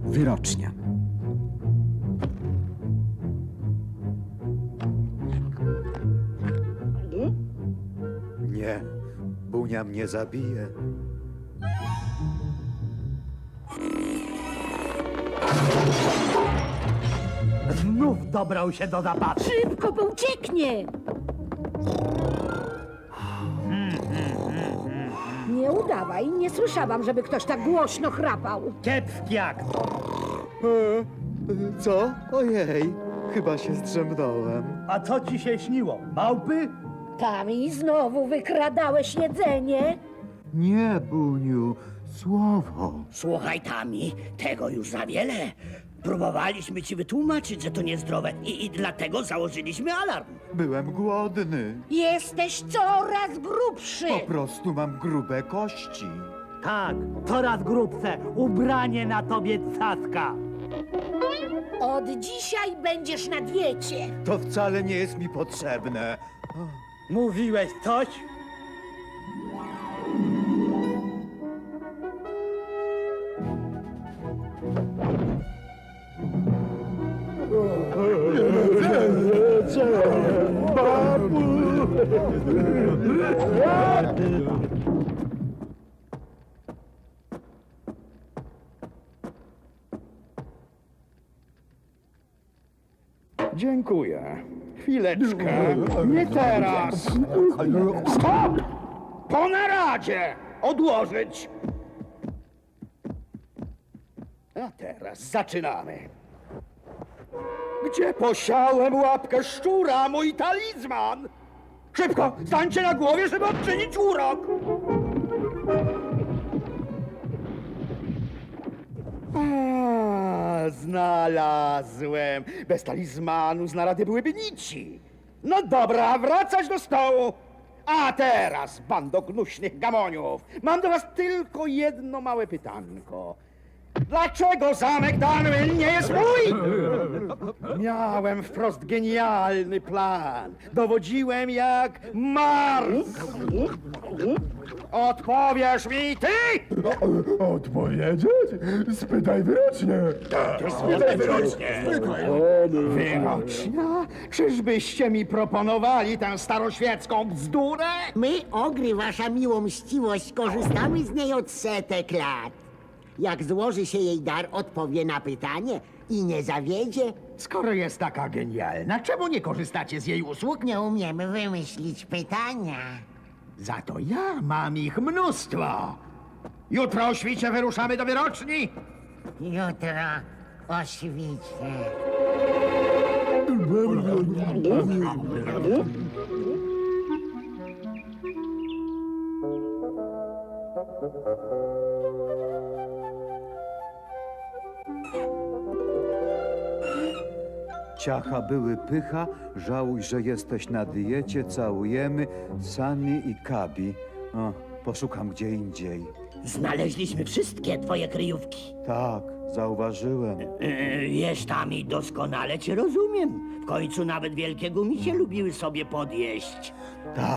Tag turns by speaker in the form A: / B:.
A: Wyrocznia.
B: Nie, Bunia mnie zabije.
C: Znów dobrał się do zapasu.
D: Szybko, bo ucieknie! Nie udawaj, nie słyszałam, żeby ktoś tak głośno chrapał.
C: Kiepski akt.
B: Co? Ojej, chyba się zdrzemnąłem.
C: A co ci się śniło? Małpy?
D: Tami, znowu wykradałeś jedzenie?
B: Nie, Buniu, słowo.
E: Słuchaj, Tami, tego już za wiele. Próbowaliśmy ci wytłumaczyć, że to niezdrowe i dlatego założyliśmy alarm.
B: Byłem głodny.
D: Jesteś coraz grubszy!
B: Po prostu mam grube kości.
C: Tak, coraz grubsze. Ubranie na tobie caska.
D: Od dzisiaj będziesz na diecie.
B: To wcale nie jest mi potrzebne.
C: Mówiłeś coś?
F: Dziękuję. Chwileczkę. Nie teraz. Stop! Po naradzie! Odłożyć! A teraz zaczynamy. Gdzie posiałem łapkę szczura, mój talizman? Szybko, stańcie na głowie, żeby odczynić urok! Znalazłem. Bez talizmanu z narady byłyby nici. No dobra, wracać do stołu. A teraz, bando gnuśnych gamoniów, mam do was tylko jedno małe pytanko. Dlaczego zamek Darwin nie jest mój? Miałem wprost genialny plan. Dowodziłem jak Mars. Odpowiesz mi ty?
G: Odpowiedzieć? Spytaj wyrocznie.
F: Spytaj wyrocznie. Wyrocznia? Czyżbyście mi proponowali tę staroświecką bzdurę?
H: My, Ogry, wasza miłomściwość, skorzystamy z niej od setek lat. Jak złoży się jej dar, odpowie na pytanie i nie zawiedzie.
F: Skoro jest taka genialna, czemu nie korzystacie z jej usług?
H: Nie umiemy wymyślić pytania.
F: Za to ja mam ich mnóstwo. Jutro o świcie wyruszamy do wyroczni.
H: Jutro o świcie.
B: Ciacha były pycha, żałuj, że jesteś na diecie, całujemy, Sunny i Kabi. O, poszukam gdzie indziej.
E: Znaleźliśmy wszystkie twoje kryjówki.
B: Tak, zauważyłem.
E: Wiesz, Tami, doskonale cię rozumiem. W końcu nawet wielkie gumisie lubiły sobie podjeść.